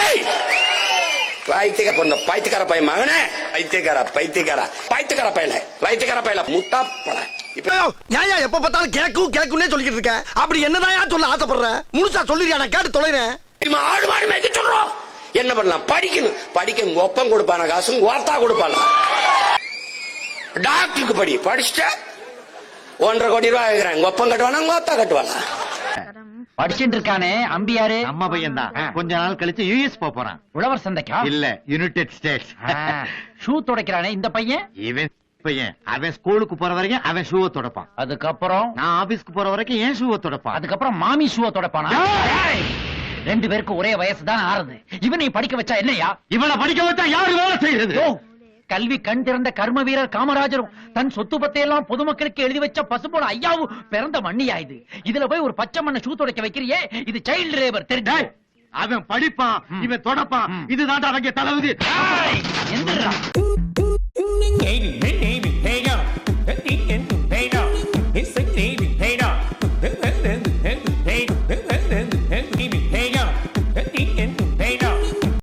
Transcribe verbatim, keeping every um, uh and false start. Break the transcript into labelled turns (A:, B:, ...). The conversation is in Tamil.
A: பைத்தியக்கார பொண்ணு பைத்தியக்கார பையன் மகனே பைத்தியக்கார பைத்தியக்கார பைத்தியக்கார பையல பைத்தியக்கார பையல முட்டா பட
B: இப்ப ஏன் எப்ப பார்த்தாலும் கேக்கும் கேக்குன்னே சொல்லிக்கிட்டு இருக்க அப்படி என்னதான் சொல்ல ஆசைப்படுற முழுசா சொல்லிருக்கியா நான் கேட்டு தொலைறேன்
A: ஆடு மாடு மேய்க்க சொல்றோம் என்ன பண்ணலாம் படிக்கணும் படிக்க ஒப்பம் கொடுப்பான காசு ஓர்த்தா கொடுப்பான டாக்டருக்கு படி படிச்சுட்ட ஒன்றரை கோடி ரூபாய் ஆகிறாங்க ஒப்பம் கட்டுவானா ஓத்தா கட்டுவானா
C: படிச்சுட்டு இருக்கானே அம்பியாரு
D: அம்மா பையன் தான் கொஞ்ச நாள் கழிச்சு யூஎஸ் போறான்
C: உழவர் சந்தைக்கா
D: இல்ல யுனைடெட் ஸ்டேட்ஸ்
C: ஷூ துடைக்கிறானே இந்த பையன்
D: இவன் பையன் அவன் ஸ்கூலுக்கு போற வரைக்கும் அவன் ஷூவை துடைப்பான்
C: அதுக்கப்புறம்
D: நான் ஆபீஸ்க்கு போற வரைக்கும் ஏன் ஷூவை துடைப்பான்
C: அதுக்கப்புறம் மாமி ஷூவை துடைப்பானா ரெண்டு பேருக்கு ஒரே வயசு தான் ஆறுது இவனை படிக்க வச்சா என்னையா
D: இவனை படிக்க வச்சா யாரு வேலை செய்யறது
C: கல்வி கண் திறந்த கர்ம வீரர் காமராஜரும் தன் சொத்து பத்தையெல்லாம் பொதுமக்களுக்கு எழுதி வச்ச பசுபோல ஐயாவும் பிறந்த மண்ணியா இது இதுல போய் ஒரு பச்சை மண்ணை ஷூ துடைக்க வைக்கிறியே இது சைல்டு லேபர் தெரிஞ்சா
D: அவன் படிப்பான் இவன் தொடப்பான் இதுதான் அவங்க தளவுது
C: எந்த